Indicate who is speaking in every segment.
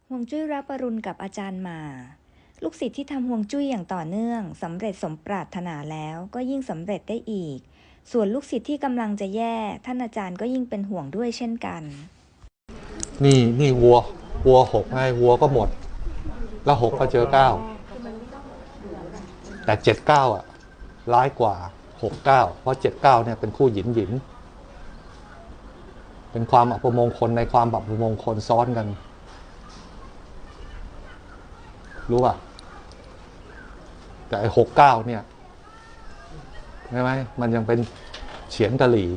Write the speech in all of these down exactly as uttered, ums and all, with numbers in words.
Speaker 1: ฮวงจุ้ยรับปรุณกับอาจารย์หมาลูกศิษย์ที่ทำฮวงจุ้ยอย่างต่อเนื่องสำเร็จสมปรารถนาแล้วก็ยิ่งสำเร็จได้อีกส่วนลูกศิษย์ที่กำลังจะแย่ท่านอาจารย์ก็ยิ่งเป็นห่วงด้วยเช่นกัน
Speaker 2: นี่นี่วัววัวหกไงวัวก็หมดแล้วหกก็เจอเก้าแต่เจ็ดเก้าอ่ะร้ายกว่าหกเก้าเพราะเจ็ดเก้าเนี่ยเป็นคู่หยินหยินเป็นความอัปมงคลในความอัปมงคลซ้อนกันรู้ป่ะแต่ไอ้หกเก้าเนี่ยใช่ไหมมันยังเป็นเฉียนกะหรี่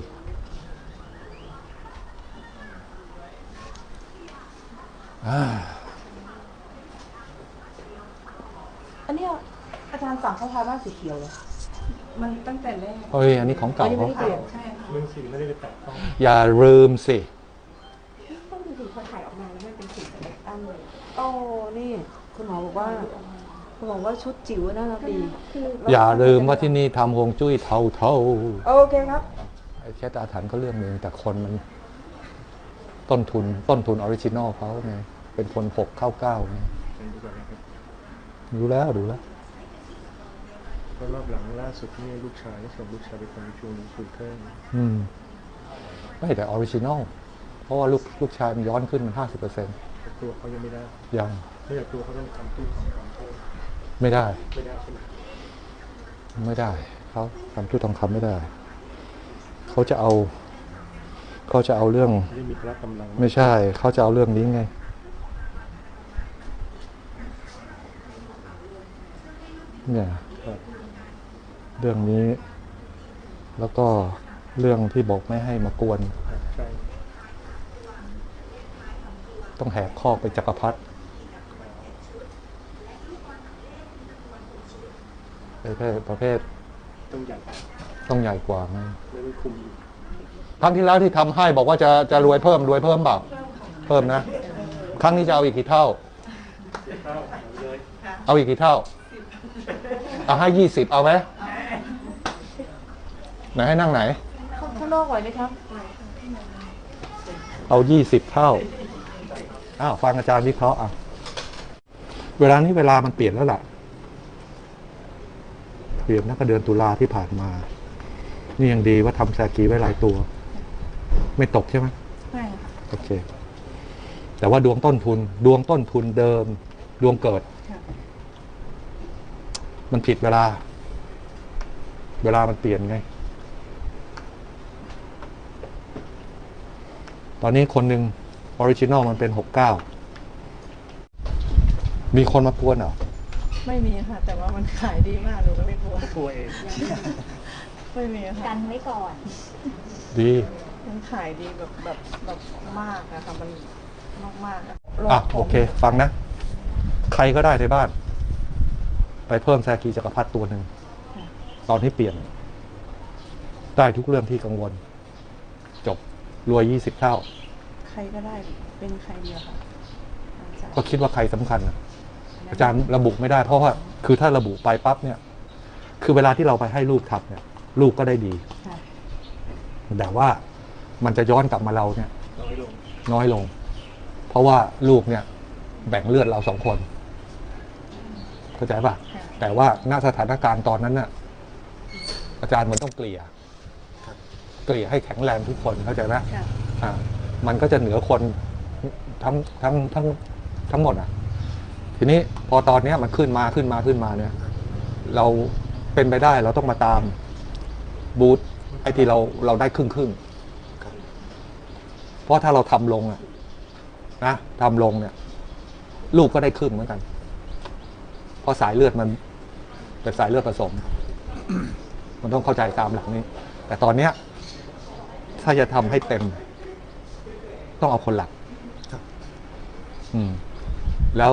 Speaker 3: อันนี้อาจารย์สั่งเขาทาบ้านสีเขียวเลยมันตั้งแต่แรก
Speaker 2: เฮ้ยอันนี้ของเก่าเขา
Speaker 3: เปลี่ยนใช่ค่ะ
Speaker 4: เรื่องสีไม่ได้ไปแตะต้อง
Speaker 2: อย่าลืมสิ
Speaker 3: ต้องดูถึงพอถ่ายออกมาแล้วมันเป็นสีสเปกตั้มเลยโอ้นี่คุณหมอบอกว่าคุณหมอว่าชุดจิ๋วน่ารักดี
Speaker 2: อย่าลืมว่าที่นี่ทำฮวงจุ้ยเท่าเท่า
Speaker 3: โอเคครับ
Speaker 2: ไอ้แค่อาถรรพ์ก็เรื่องนึงแต่คนมันต้นทุนต้นทุนออริจินอลเขาไงเป็นคนหกเข้าเก้าไงดูแล้วดูแล้ว
Speaker 4: ก็รอบหลังล่าสุดนี่ลูกชายส่งลูกชายไปทำชูนสูเทิร์น
Speaker 2: อืมไม่แต่ออริจินอลเพราะว่าลูกลูกชายมันย้อนขึ้นมันห้าสิบเปอร์เซ็นต์
Speaker 4: ตัวเขายังไม่ได้
Speaker 2: ยัง
Speaker 4: ไม่อยากตัวเขาต้องทำตู้ทองคำ
Speaker 2: ไม่ได้
Speaker 4: ไม่ได้ใช่ไหม
Speaker 2: ไม่ได้เขาทำตู้ทองคำไม่ได้เขาจะเอาเขาจะเอาเรื่อง
Speaker 4: มีพละกำลัง
Speaker 2: ไม่ใช่เขาจะเอาเรื่องนี้ไงเนี่ยเรื่องนี้แล้วก็เรื่องที่บอกไม่ให้มากวนต้องแหกข้อไปจักรพรรดิประเภทประเภท
Speaker 4: ต้องใหญ่
Speaker 2: ต้องใหญ่กว่าไง
Speaker 4: ไม่ได้คุม
Speaker 2: ครั้งที่แล้วที่ทำให้บอกว่าจะจะรวยเพิ่มรวยเพิ่มเปล่าเพิ่มนะครั้งนี้จะเอาอีกกี่เท่าเอาอีกกี่เท่าเอาให้ยี่สิบเอาไหมไหนให้นั่งไหน
Speaker 3: ข้างนอกไหวไหมครับ
Speaker 2: เอายี่สิบเท่าอ้าวฟังอาจารย์วิเคราะห์อ่ะเวลานี้เวลามันเปลี่ยนแล้วล่ะเปลี่ยนนักเดือนตุลาที่ผ่านมานี่ยังดีว่าทำแซกีไว้หลายตัวไม่ตกใช่ไหม
Speaker 3: ไม่ค่ะ
Speaker 2: โอเคแต่ว่าดวงต้นทุนดวงต้นทุนเดิมดวงเกิดมันผิดเวลาเวลามันเปลี่ยนไงตอนนี้คนหนึ่งออริจินอลมันเป็นหกเก้ามีคนมากวนเหรอ
Speaker 3: ไม่มีค่ะแต่ว่ามันขายดีมากหนูก็เลยกลัว
Speaker 4: กลัวเอง
Speaker 3: ไม่มีค่ะ
Speaker 1: กันไว้ก่อน
Speaker 2: ดี
Speaker 3: มันขายดีแบบแบบแบบมากนะคะมันมากมาก
Speaker 2: อ่ะโอเคฟังนะใครก็ได้ในบ้านไปเพิ่มแซกีจักรพรรดิตัวหนึ่งตอนที่เปลี่ยนได้ทุกเรื่องที่กังวลจบรวยยี่สิบเท่า
Speaker 3: ใครก็ได้เป็นใครเดียวค่ะ
Speaker 2: ก็คิดว่าใครสำคัญนะอาจารย์ระบุไม่ได้เพราะว่าคือถ้าระบุไปปั๊บเนี่ยคือเวลาที่เราไปให้ลูกทำเนี่ยลูกก็ได้ดีแต่ว่ามันจะย้อนกลับมาเราเนี่ย
Speaker 4: น้อยลง
Speaker 2: น้อยลงเพราะว่าลูกเนี่ยแบ่งเลือดเราสองคนเข้าใจป่ะแต่ว่าณสถานการณ์ตอนนั้นน่ะอาจารย์มันต้องเกลี่ยเกลี่ยให้แข็งแรงทุกคนเข้าใจไหมอ่ามันก็จะเหนือคนทั้งทั้งทั้งทั้งหมดอ่ะทีนี้พอตอนนี้มันขึ้นมาขึ้นมาขึ้นมาเนี่ยเราเป็นไปได้เราต้องมาตามบูธไอ้ที่เราเราได้ครึ่งครึ่งเพราะถ้าเราทำลงอ่ะนะทำลงเนี่ยลูกก็ได้ครึ่งเหมือนกันเพราะสายเลือดมันเป็นสายเลือดผสมมันต้องเข้าใจตามหลักนี้แต่ตอนเนี้ยถ้าจะทำให้เต็มต้องเอาคนหลักอืมแล้ว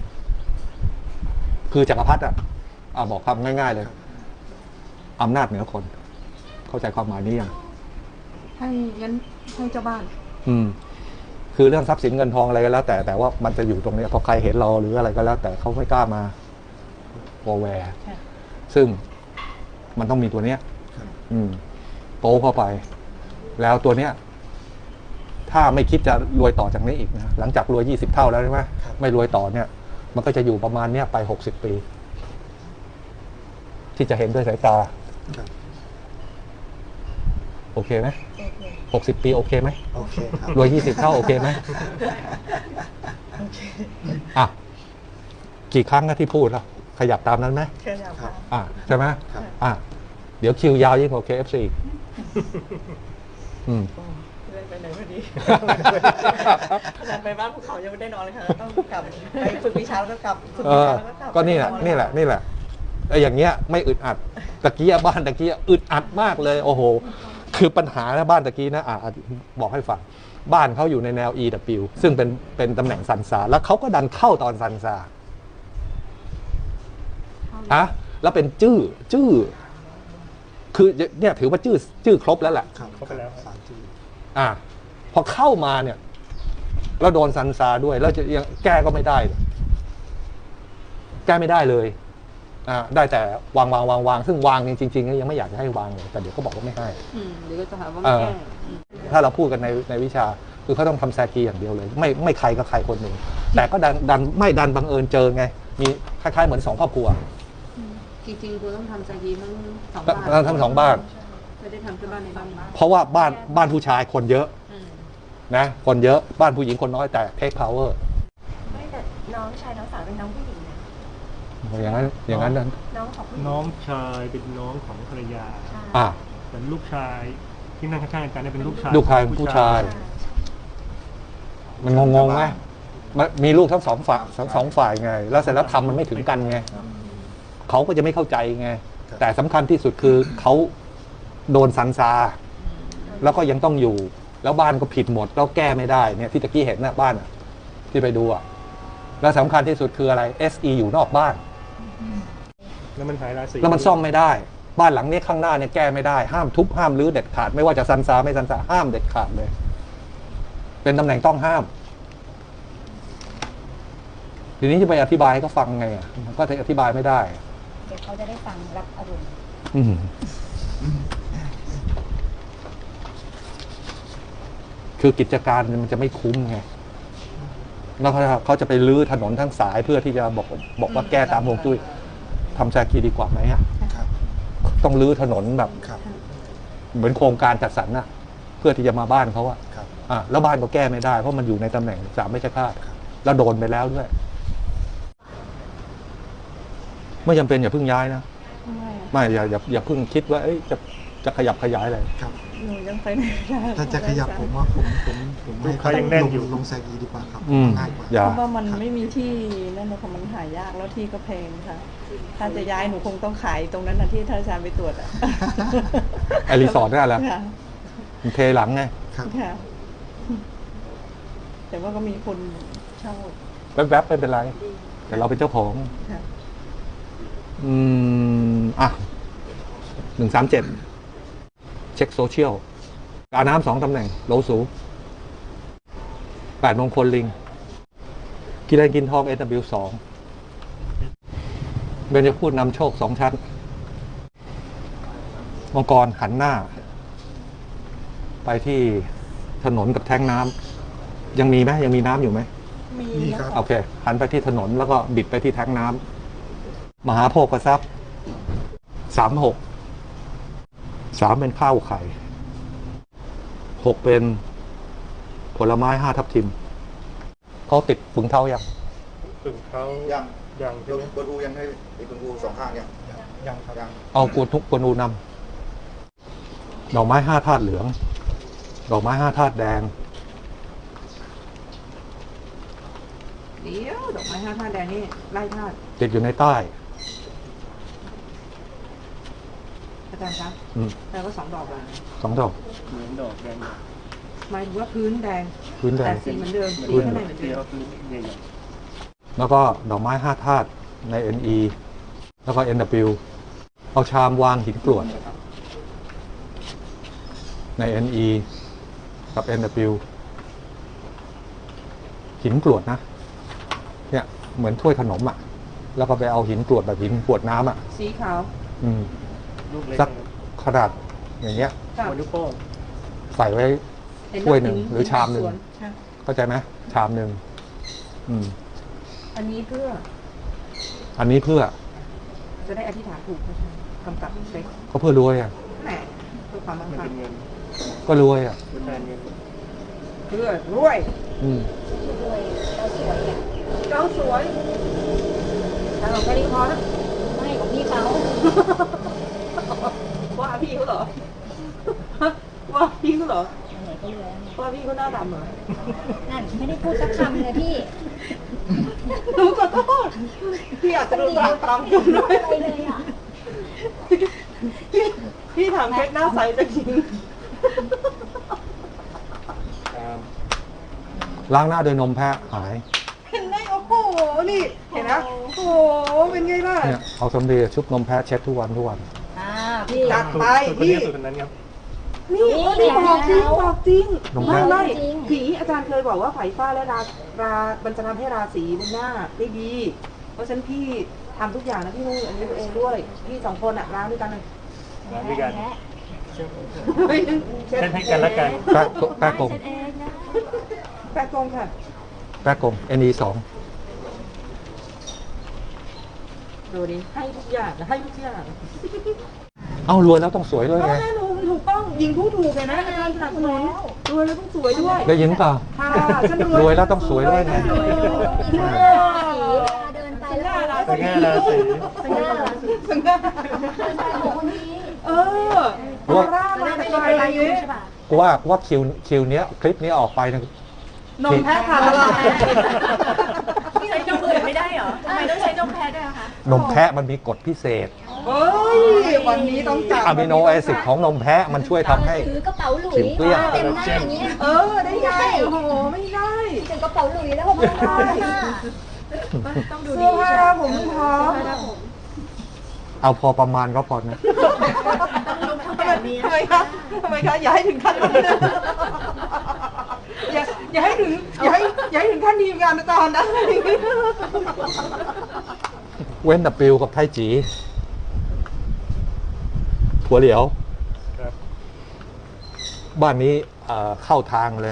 Speaker 2: คือจักรพรรดิอ่ะอ่าบอกคำง่ายๆเลยอำนาจเหนือคนเข้าใจความหมายนี้ยัง
Speaker 3: ให้งั้นให้เจ้าบ้าน
Speaker 2: อืมคือเรื่องทรัพย์สินเงินทองอะไรก็แล้วแต่แต่ว่ามันจะอยู่ตรงนี้พอใครเห็นเราหรืออะไรก็แล้วแต่เขาไม่กล้ามาวอแวร์ซึ่งมันต้องมีตัวเนี้ยอืมโป้เข้าไปแล้วตัวเนี้ยถ้าไม่คิดจะรวยต่อจากนี้อีกนะหลังจากรวยยี่สิบเท่าแล้วใช่ไหมไม่รวยต่อเนี่ย มันก็จะอยู่ประมาณเนี้ยไปหกสิบปี ที่จะเห็นด้วยสายตา
Speaker 4: ครับ
Speaker 2: โอเคไหมหกสิบปีโอเคไหม
Speaker 4: โอเคครับ
Speaker 2: รวยยี่สิบเท่าโอเคไหมอ่ะกี่ครั้งนะที่พูดแล้วขยับตามนั้นไหม
Speaker 3: เชิญค่ะ
Speaker 2: อ่ะใช่ไหม
Speaker 4: ครับ
Speaker 2: อ่ะเดี๋ยวคิวยาวยิ่งกว่า เค เอฟ ซี อีกอืม
Speaker 3: เลื่อนไปไหนพอดีขนาดไปบ้านภูเขายังไม่ได้นอนเลยค่ะต้องกลับไปฝึกวิชาแล้วก็กลับฝึก
Speaker 2: เอ
Speaker 3: วิ
Speaker 2: อ
Speaker 3: ชาแล้วก็กลับ
Speaker 2: ก็นี่แหละนี่แหละนี่แหละไอ้อย่างเงี้ยไม่อึดอัดตะกี้บ้านตะกี้อึดอัดมากเลย โอ้โห คือปัญหานะบ้านตะกี้นะอ่ะบอกให้ฟังบ้านเขาอยู่ในแนว อี ดับเบิลยู ซึ่งเป็นเป็นตำแหน่งซันซาแล้วเขาก็ดันเข้าตอนซันซาอะแล้วเป็นจื้อจื้อคือเนี่ยถือว่าจื้อจื้อครบแล้วแหละ
Speaker 4: ครับเข้าไปแล้วสามจี
Speaker 2: อ่ะพอเข้ามาเนี่ยแล้วโดนซันซาด้วยแล้วจะยังแก้ก็ไม่ได้ แก้ไม่ได้เลยอ่าได้แต่วางวางวางวางซึ่งวางจริงๆยังไม่อยากจะให้วางเลยแต่เดี๋ยวเขาบอกว่าไม่ให้
Speaker 3: อืมเดี๋ยวก็จะหาว่า
Speaker 2: เอ
Speaker 3: ไม่
Speaker 2: อ
Speaker 3: แก้
Speaker 2: ถ้าเราพูดกันในในวิชาคือเขาต้องทำแซกีอย่างเดียวเลย ไม่ไม่ใครก็ใครคนหนึ่งแต่ก็ดันดันไม่ดันบังเอิญเจอไง มีคล้ายๆเหมือนสองครอบครัว
Speaker 3: จริงๆคุณต้องทำใจดีทั้งสอง
Speaker 2: ทั้
Speaker 3: บ้าง น
Speaker 2: ทั้งสองบ้าน
Speaker 3: ไม่ได้ทำที่บ้านในบ้าน
Speaker 2: เพราะว่าบ้านบ้านผู้ชายคนเยอะ
Speaker 3: อืม
Speaker 2: นะคนเยอะบ้านผู้หญิงคนน้อยแต่เทคพาวเวอร์
Speaker 5: ไม่แต่น้องชายน้องสาวเป็นน้องผู้หญิงนะ
Speaker 2: อย่างนั้นอย่างนั้นนั้น
Speaker 5: น้องของผู้หญิง
Speaker 6: น้องชายเป็นน้องของภรรยา
Speaker 5: ใช่
Speaker 2: อ่ะ
Speaker 6: แต่ลูกชายที่นั่งข้างๆกันเนี่ยเป็นลูกชาย
Speaker 2: ลูกชายผู้ชาย มันงงงๆไหมมันมีลูกทั้งสองฝ่ายทั้งสองฝ่ายไง แล้วเสร็จแล้วทำมันไม่ถึงกันไงเขาก็จะไม่เข้าใจไง แต่สำคัญที่สุดคือเขาโดนซันซา แล้วก็ยังต้องอยู่ แล้วบ้านก็ผิดหมด แล้วแก้ไม่ได้เนี่ยที่ตะกี้เห็นนะบ้านอะที่ไปดูอะแล้วสำคัญที่สุดคืออะไร เอส อี อยู่นอกบ้าน
Speaker 6: แล้วมันหายราศี
Speaker 2: แล้วมันซ่อมไม่ได้ บ้านหลังนี้ข้างหน้าเนี่ยแก้ไม่ได้ ห้ามทุบห้ามรื้อเด็ดขาด ไม่ว่าจะซันซาไม่ซันซาห้ามเด็ดขาดเลย เป็นตำแหน่งต้องห้าม ทีนี้จะไปอธิบายให้เขาฟังไงอ่ะก็อธิบายไม่ได้
Speaker 5: เดี๋ยวเขาจะได้ฟังรับอารมณ์
Speaker 2: อืมคือกิจการมันจะไม่คุ้มไง แล้วเขาเขาจะไปรื้อถนนทั้งสายเพื่อที่จะบอกบอกว่าแก้ตามฮวงจุ้ยทำแซกีดีกว่าไหมอ่ะ
Speaker 4: ครับ
Speaker 2: ต้องรื้อถนนแบบ
Speaker 4: ครับ
Speaker 2: เหมือนโครงการจัดสรรน่ะ เพื่อที่จะมาบ้านเขาอะ
Speaker 4: ครับ
Speaker 2: อ่ะแล้วบ้านก็แก้ไม่ได้ เพราะมันอยู่ในตำแหน่งสามไม่ใช่คาดแล้วโดนไปแล้วด้วย ไม่จำเป็นอย่าเพิ่งย้ายนะ ไม่อย่าอย่าอย่าเพิ่งคิดว่าเอ้ยจะจะขยับขยายอะไร
Speaker 4: ครับ
Speaker 3: หนูยังไปไหนไม่ได้
Speaker 4: ถ้าจะขยับผมว่าผมผมผมให้
Speaker 6: เขายังแน่นอยู่
Speaker 4: ลงลงแซกีดีกว่าครับ
Speaker 2: อืม
Speaker 4: ง่ายกว่า
Speaker 2: อย่า
Speaker 3: เพราะว่ามันไม่มีที่นั่นนะคะมันหายากแล้วที่ก็แพงค่ะ ถ้าจะย้ายหนูคงต้องขายตรงนั้นนะที่ท่านอาจารย์ไปตรวจอะ
Speaker 2: ไอรีสอร์ทนั่นแหละ
Speaker 3: ค่ะ
Speaker 2: มันเทหลังไง
Speaker 4: ครับ
Speaker 3: ค่ะ แต่ว่าก็มีคนเช่า
Speaker 2: แวบๆไม่เป็นไร แต่เราเป็นเจ้าของ
Speaker 3: ค่ะ
Speaker 2: อืม อ่ะหนึ่งสามเจ็ดเช็คโซเชียลการน้ำสองตำแหน่ง โลสูแปดมงคลลิง กินแรงกินทอง เอ ดับเบิลยู สองเบญจพูดนำโชคสองชั้น มังกรหันหน้า ไปที่ถนนกับแท้งน้ำยังมีไหมยังมีน้ำอยู่ไหม
Speaker 3: มี
Speaker 4: นี่
Speaker 3: นะครับ
Speaker 2: โอเค หันไปที่ถนนแล้วก็บิดไปที่แท้งน้ำมหาโภคทรัพย์สามหกสามเป็นข้าวไข่หกเป็นผลไม้ห้าทับทิมเขาติดฝึงเท้ายัง
Speaker 6: ถึงเขา
Speaker 7: ยัง
Speaker 6: ยัง
Speaker 7: ย
Speaker 6: ใช่
Speaker 7: ก
Speaker 6: ไหม
Speaker 7: บนอูยังให้ไอ้บนอูสองข้างยัง
Speaker 4: ยังครับ
Speaker 7: ยัง
Speaker 2: เอากวนทุกกวนอูนำดอกไม้ห้าธาตุเหลือง ดอกไม้ห้าธาตุแดง
Speaker 3: เดี๋ยวดอกไม้ห้าธาตุแดงนี่ไล่ธาตุ
Speaker 2: ติดอยู่ในใต้
Speaker 3: อาจารย์คะ
Speaker 2: อืม
Speaker 3: แต่ว่าสองดอกอะ
Speaker 2: สองดอก
Speaker 6: เหมือนดอกแดง
Speaker 3: หมายถึงว่าพื้นแดง
Speaker 2: พื้นแด
Speaker 3: แต่
Speaker 2: ง
Speaker 3: สีเหมือนเดิมสี
Speaker 2: พื้น
Speaker 3: ข้างในเหมือนเดิ
Speaker 6: เดียว
Speaker 3: ม
Speaker 6: คือใหญ่
Speaker 2: แล้วก็ดอกไม้ห้าธาตุใน เอ็น อี แล้วก็ เอ็น ดับเบิลยู เอาชามวางหินกรวดใน เอ็น อี กับ เอ็น ดับเบิลยู หินกรวดนะ เนี่ยเหมือนถ้วยขนมอ่ะ แล้วก็ไปเอาหินกรวดแบบหินกรวดน้ำอ่ะ
Speaker 3: สีขาว
Speaker 2: อืม
Speaker 6: ๆลูกเล็ก
Speaker 2: สักขนาดอย่างเงี้ย
Speaker 3: กับ
Speaker 6: หัวนิ้วโป้ง
Speaker 2: ใส่ไว้
Speaker 3: เห็น
Speaker 2: ถ้วยหนึ่งหรือชามหนึ่ง
Speaker 3: สวนค่ะ
Speaker 2: เข้าใจไหมชามหนึ่งอืม
Speaker 3: อันนี้เพื่อ
Speaker 2: อันนี้เพื่อ
Speaker 3: จะได้อธิษฐานถูกนะคะกำกับเช็ค
Speaker 2: ก็เพื่อรวยอ่ะ
Speaker 3: แหมเพื่อความมั่ง
Speaker 6: มัน
Speaker 3: คั่
Speaker 6: เป็
Speaker 3: ง
Speaker 6: นเงิน
Speaker 2: ก็รวยอ่ะ
Speaker 6: เป็นแทนเงิน
Speaker 3: เพื่อรวย
Speaker 2: อืม
Speaker 5: ด้วยเราสวยอ่ะ
Speaker 3: เจ้าสวยแต่เราแค่นี้พอนะ
Speaker 5: ไม่ของพี่เขา
Speaker 3: ว่าพี่เขาเหรอ ว่าพี่เขาเหรอ
Speaker 5: ไหนๆก็รวยแล้วเนี่ย
Speaker 3: ว่าพี่เขาหน้าดำเหรอ
Speaker 5: นั่นไม่ได้พูดสักคำเลยพี่
Speaker 3: หนูขอโทษพี่อาจจะดูตามตามคุณด้วย
Speaker 5: อะไรเลยอ่ะ
Speaker 3: พี่พี่ถามเพชรหน้าใสจะจริง
Speaker 6: ตาม
Speaker 2: ล้างหน้าโดยนมแพะหาย
Speaker 3: เห็นไหมโอ้โห นี่ เห็นนะโอ้โห เป็นไงล่ะ
Speaker 2: เนี่ยเอาสำลีชุบนมแพะเช็ดทุกวันทุกวัน
Speaker 5: อ่าพี่
Speaker 3: จัด
Speaker 6: สูต
Speaker 3: ไป
Speaker 6: รสูตรคน
Speaker 3: พี่
Speaker 6: นี้สูตรคนนั้นครับ
Speaker 3: นี่
Speaker 5: นี่
Speaker 3: นี่บอกจริง
Speaker 5: แล้ว
Speaker 3: บอกจริง
Speaker 2: นม
Speaker 3: ไม่
Speaker 2: แพะ
Speaker 3: ไม่
Speaker 5: จริง
Speaker 3: ผีอาจารย์เคยบอกว่าไฝฟ้าและรารามันจะทำให้ราศีบนหน้าได้ดี เพราะฉะนั้นพี่ทำทุกอย่างนะพี่นุ่งอันนี้ตัวเองด้วย พี่สองคนอะล้างด้วยกันเลย
Speaker 6: มาด้วยกัน
Speaker 5: แพ้
Speaker 6: เช่นให้กันและกัน
Speaker 2: แปะแปะกง
Speaker 5: เช็ดเองนะ
Speaker 3: แปะกงค่ะ
Speaker 2: แปะกง เอ็น อี สอง
Speaker 3: ดูดิให้ทุกอย่างนะให้ทุกอย่าง
Speaker 2: เอ้ารวยแล้วต้องสวยด้วย
Speaker 3: ก็
Speaker 2: ไง
Speaker 3: แน่นอนถูกต้องยิงผู้ถูกเลยนะอาจารย์สนับสนุนรวยแล้วต้องสวยด้วย
Speaker 2: ได้ยินเปล่า
Speaker 3: ค่ะฉัน
Speaker 2: รวยแล้วต้องสวยด้วยไง
Speaker 3: รวยแล้วต้องสวยด้วย
Speaker 5: สีเวลาเดินไปแล้ว
Speaker 6: สง่าราศี
Speaker 3: สง่าสง่า
Speaker 5: เดินไปของคนนี้
Speaker 3: เออออร่ามาแต่ไกลอะไรเงี้ย
Speaker 2: กูว่ากูว่าคิวคิวเนี้ยคลิปนี้ออกไปนะ
Speaker 3: นมแพะค่ะละลาย
Speaker 8: ใช้นมอื่นไม่ได้เหรอ ทำไมต้องใช้นมแพะด้วยอะคะ
Speaker 2: นมแพะมันมีกฎพิเศษ
Speaker 3: เฮ้ยวันนี้ต้องจับ
Speaker 2: อะมิโนแอซิดของนมแพะมันช่วยทำให้
Speaker 5: ถือกระเป๋าหลุย
Speaker 2: ผิวเกลี้ยง
Speaker 5: เต็มหน้าอย่างเงี้ย
Speaker 3: เออได้ไงโอ้โหไม่ได้
Speaker 5: ถึงกระเป๋าหลุยแล้วผมไม่ได้ค่ะ
Speaker 8: ต้องดู
Speaker 3: เสื้
Speaker 8: ดี
Speaker 3: อผ้า
Speaker 8: ใช่ไหม
Speaker 3: ผมไม่พร้อม
Speaker 2: เอาพอประมาณก็พอนะ
Speaker 3: ทำไมทำไมคะทำไมคะอย่าให้ถึงขั้นนั้นเลยอย่าอย่าให้ถึงอย่าให้อย่าให้ถึงขั้นทีมงานอาจารย์นะ
Speaker 2: เว้นแต่ปิวกับไทจีถั่วเหลียว
Speaker 6: ครับ
Speaker 2: บ้านนี้เอ่อเข้าทางเลย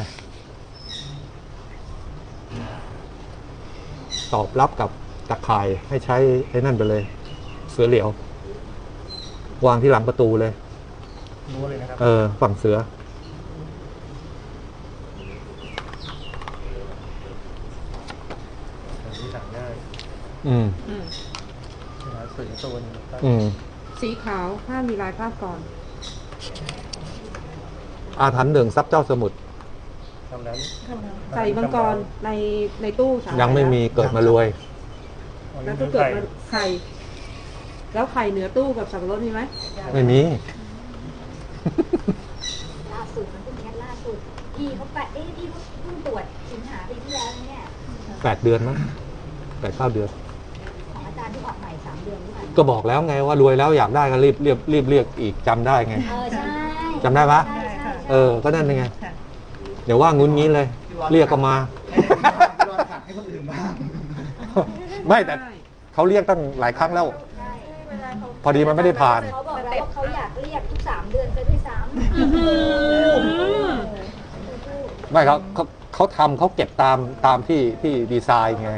Speaker 2: ตอบรับกับตะข่ายให้ใช้ไอ้นั่นไปเลย เสือเหลียว วางที่หลังประตูเลย
Speaker 6: รู้เลยนะครับ
Speaker 2: เออ ฝั่งเสือ
Speaker 6: ที่สั่งง่าย
Speaker 2: อืม
Speaker 6: หาสื่อตัวหนึงครับ
Speaker 2: อืม
Speaker 3: สีขาวห้ามมีลายภาพก่อน
Speaker 2: อาถรรพ์หนึ่งซับเจ้าสมุทร
Speaker 6: ทำนั้น
Speaker 3: ใส่มังกรในในตู้สา
Speaker 2: ยังไม่มีเกิดมารวย
Speaker 6: อ๋อ
Speaker 3: แล้
Speaker 6: นี่
Speaker 3: ว
Speaker 6: คื
Speaker 3: ก็
Speaker 6: อ
Speaker 3: เกิด
Speaker 6: ไข่
Speaker 3: มาไข่ แล้วไข่เหนือตู้กับสับปะรดมีไหม
Speaker 2: ไม่มี
Speaker 5: ล่าสุดมันเพิ่งแค่ล่าสุดพี่เขาไปเอ๊ะพี่เขาเพิ่งตรวจสิงหาปีที่แล้วนะเนี่ย
Speaker 2: แปดเดือนมั้งแปดเก้าเดือน
Speaker 5: ของอาจารย์ที่ออกใหม่สามเดือนหรือเปล่า
Speaker 2: ก็บอกแล้วไงว่ารวยแล้วอยากได้ก็รีบรีบรีบเรียกอีกจำได้ไง
Speaker 5: เออใช่
Speaker 2: จำได้ปะ
Speaker 5: ใช่ใช่
Speaker 2: เออ ก็นั่นไง เดี๋ยวว่างุ้นงี้เลย เรียกก็มา
Speaker 7: ให้คนอื่นบ้าง
Speaker 2: ไม่แต่เขาเรียกตั้งหลายครั้งแล้ว
Speaker 5: ใช่
Speaker 2: พอดีมันไม่ได้ผ่าน
Speaker 5: เขาบอกแล้วว่าเขาอยากเรียกทุกสามเดือนซะด้วยซ้ำ
Speaker 2: ไม่เขาเขาเขาทำเขาเก็บตามตามที่ที่ดีไซน์ไง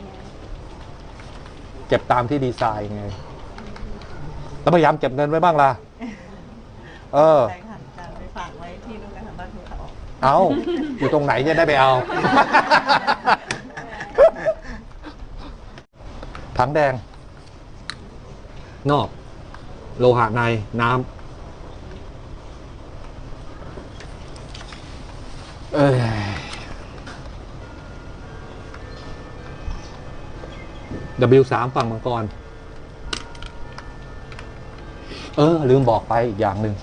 Speaker 2: เก็บตามที่ดีไซน์ไงแล้วพยายามเก็บเงินไว้บ้างล่ะ เออ
Speaker 8: ใช่ค่ะอาจารย์ไปฝากไว้ที่นู่นนะคะบ้านภูเขา
Speaker 2: เอาอยู่ตรงไหนจะได้ไปเอา ถังแดง นอก โลหะในน้ำเอ้ย ดับเบิลยู สาม ฝั่งมังกร เออ ลืมบอกไปอีกอย่างหนึ่ง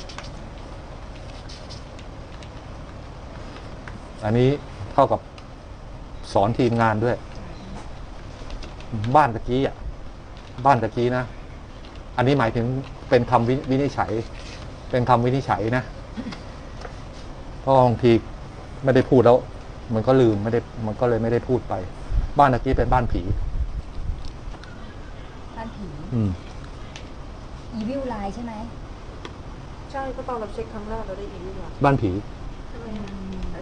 Speaker 2: อันนี้เท่ากับสอนทีมงานด้วย บ้านตะกี้อ่ะ บ้านตะกี้นะ อันนี้หมายถึงเป็นคำวิวินิจฉัย เป็นคำวินิจฉัยนะ เพราะบางทีไม่ได้พูดแล้ว มันก็ลืมไม่ได้ มันก็เลยไม่ได้พูดไป บ้านตะกี้เป็นบ้านผี
Speaker 5: บ้านผี
Speaker 2: อืม
Speaker 5: อีวิวไลน์ใช่ไหม
Speaker 3: ใช่ก็ตอนเราเช็คครั้งแรกเราได้อีกนี่หว่า
Speaker 2: บ้านผี
Speaker 5: อืม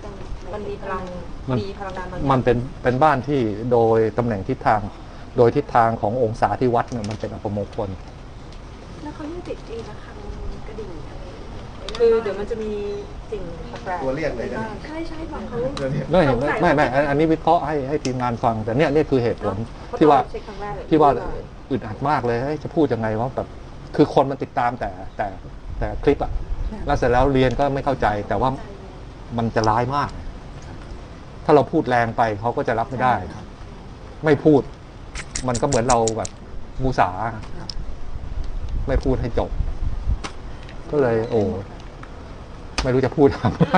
Speaker 3: มันมีพลัง
Speaker 2: มัน
Speaker 3: มีพลังงานบางอย่าง
Speaker 2: มันเป็นเป็นบ้านที่โดยตำแหน่งทิศทาง โดยทิศทางขององศาที่วัดเนี่ยมันเป็นอัปมงคล
Speaker 8: แล้วเขายังติดตีระฆังกระดิ่งอะไร
Speaker 3: คือเดี๋ยวมันจะมีสิ่งแปลกๆ
Speaker 7: ตัวเรียกเลยนะ
Speaker 8: ใช่ใช่บอกเขา
Speaker 7: ตัวเรียก
Speaker 2: ไม่ไม่ไม่ไม่อันอันนี้วิเคราะห์ให้ให้ทีมงานฟัง แต่เนี่ยเนี่ยคือเหตุผลที่ว่า
Speaker 3: เช็คครั้งแรกเลย
Speaker 2: ที่ว่าอึดอัดมากเลยเฮ้ยจะพูดยังไงว่าแบบคือคนมันติดตามแต่แต่แต่คลิปอะแล้วเสร็จแล้วเรียนก็ไม่เข้าใจ แต่ว่ามันจะร้ายมาก ถ้าเราพูดแรงไปเขาก็จะรับไม่ได้ ไม่พูด มันก็เหมือนเราแบบมูสา ไม่พูดให้จบ ก็เลย โอ้ไม่รู้จะพูดทำไม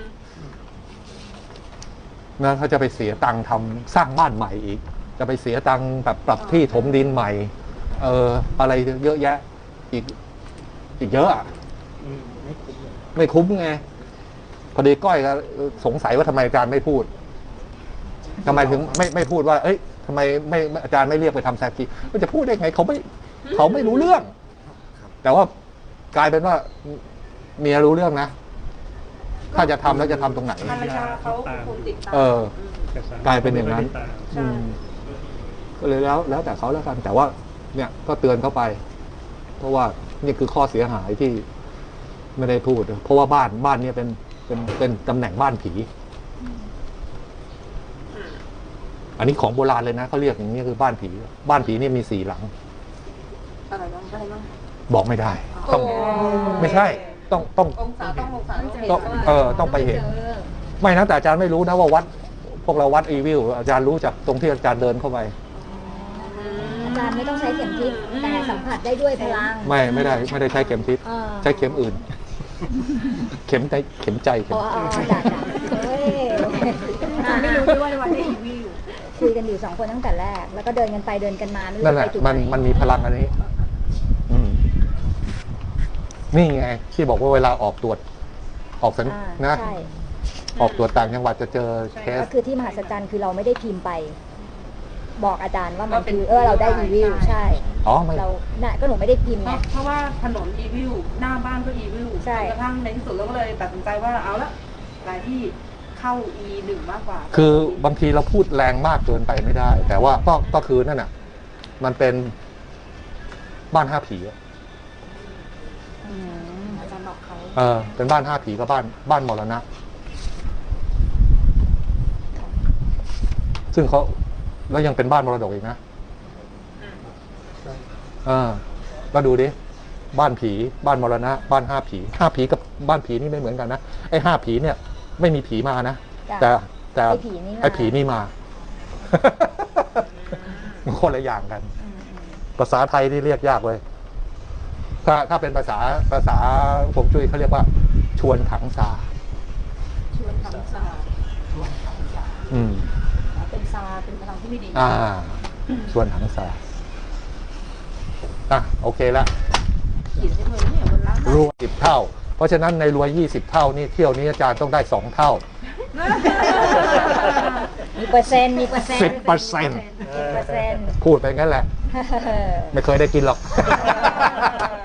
Speaker 2: นะถ้าจะไปเสียตังค์ทำสร้างบ้านใหม่อีก จะไปเสียตังค์แบบปรับที่ถมดินใหม่ เอออะไรเยอะแยะ อีก อีกเยอะอะ
Speaker 6: อืมไม่คุ้มเลย
Speaker 2: ไม่คุ้มไง พอดีก้อยก็สงสัยว่าทำไมอาจารย์ไม่พูดทำไมถึงไม่ไม่พูดว่า เอ้ยทำไมไม่อาจารย์ไม่เรียกไปทำแซกีมันจะพูดได้ไงเขาไม่เขาไม่รู้เรื่อง แต่ว่ากลายเป็นว่าเมียรู้เรื่องนะ ถ้าจะทำแล้วจะทำตรงไหน
Speaker 3: ภรรยาเขาเป็นคนติดตาม
Speaker 2: เออ
Speaker 3: ม
Speaker 6: แต่สม
Speaker 2: กลายเป็นอย่างนั้น
Speaker 6: ไม่ได้ตาม
Speaker 3: ใช่
Speaker 2: ก็เลยแล้วแล้วแต่เขาแล้วกัน แต่ว่า เนี่ยก็เตือนเขาไป เพราะว่านี่คือข้อเสียหายที่ไม่ได้พูด เพราะว่าบ้านบ้านเนี้เป็นเป็นเป็นตำแหน่งบ้านผี อันนี้ของโบราณเลยนะเขาเรียกอย่างนี้คือบ้านผี บ้านผีนี่มีสี่หลัง
Speaker 3: อะไรบ้างอะไรบ้าง
Speaker 2: บอกไม่ได้ ต้องไม่ใช่ ต้องต้อง
Speaker 3: องศาต้ององศาต้องเห็น
Speaker 2: ต้องเออต้องไปเห็น ไม่นะแต่อาจารย์ไม่รู้นะว่าวัด พวกเราวัดอีวิลอาจารย์รู้จากตรงที่อาจารย์เดินเข้าไป
Speaker 5: อาจารย์ไม่ต้องใช้เข็มทิศแต่สัมผัสได้ด้วยพลัง
Speaker 2: ไม่ไม่ได้ไม่ได้ใช้เข็มทิศ
Speaker 5: อ่า
Speaker 2: ใช้เข็มอื่น เข็มใจเข็มใจเข็
Speaker 5: อ๋
Speaker 2: ม
Speaker 5: ออ๋อจ้ะจ้ะเฮ้ย
Speaker 8: อาจารย์ไม่รู้ด้วยว่าได้อีวิว
Speaker 5: คุยกันอยู่สองคนตั้งแต่แรก แล้วก็เดินกันไปเดินกันมาไม่รู้
Speaker 2: นั่น
Speaker 5: จะ
Speaker 2: แห
Speaker 5: ไป
Speaker 2: ละ
Speaker 5: จุด
Speaker 2: มัน
Speaker 5: ไหน
Speaker 2: มันมีพลังอันนี้ อืมนี่ไง ที่บอกว่าเวลาออกตรวจ ออกสัญ
Speaker 5: อ่า
Speaker 2: นะ
Speaker 5: ใช่
Speaker 2: ออกตรวจต่างจังหวัดจะเจอเคส
Speaker 5: ก็คือที่มหัศจรรย์คือเราไม่ได้พิมพ์ไป บอกอาจารย์ว่ามันคือเออเราได้รีวิวใช่
Speaker 2: อ๋อไม่
Speaker 5: เราน่ะก็หนูไม่ได้พิมพ์
Speaker 3: เพ
Speaker 5: ไง
Speaker 3: ราะเพราะว่าถนนอีวิวหน้าบ้านก็อีวิว
Speaker 5: ใช่
Speaker 3: จนกระทั่งในที่สุดเราก็เลยตัดสินใจว่าเอาละรายที่เข้า อี หนึ่ง มากกว่า
Speaker 2: คือบางทีเราพูดแรงมากเกินไปไม่ได้ แต่ว่าก็ก็คือนั่นน่ะ มันเป็นบ้านห้าผีอะ
Speaker 5: อืม
Speaker 3: อาจารย์บอกเขา
Speaker 2: เออ เป็นบ้านห้าผีกับบ้านบ้านมรณะ ซึ่งเขาแล้วยังเป็นบ้านมรดกอีกนะเออก็ดูดิ บ้านผี บ้านมรณะ บ้านห้าผี ห้าผีกับบ้านผีนี่ไม่เหมือนกันนะ ไอ้ห้าผีเนี่ย ไม่มีผีมานะ แต่แต่
Speaker 5: ไอ้ผีนี่มา
Speaker 2: ไอ้ผีนี่มา มันคนละอย่างกัน
Speaker 5: อืมอืม
Speaker 2: ภาษาไทยนี่เรียกยากเลย ถ้าถ้าเป็นภาษาภาษาผมจุ้ยเขาเรียกว่า ชวนถังซา
Speaker 3: ชวนทำซา
Speaker 2: อืม
Speaker 3: เป็นซาเป็นพลังที่ไม่ดี
Speaker 2: อ่า ชวนถังซาอ่ะโอเคละ
Speaker 3: ขีดใช้มือเนี่ยบนล่าง
Speaker 2: รวยสิบเท่า เพราะฉะนั้นในรวยยี่สิบเท่านี่เที่ยวนี้อาจารย์ต้องได้สองเท่า
Speaker 5: มีเปอร์เซ็นต์มีเปอร์เซ็นต์
Speaker 2: สิบเปอร์เซ็นต์
Speaker 5: สิบเปอร์เซ็นต์
Speaker 2: พูดไปงั้นแหละ ไม่เคยได้กินหรอก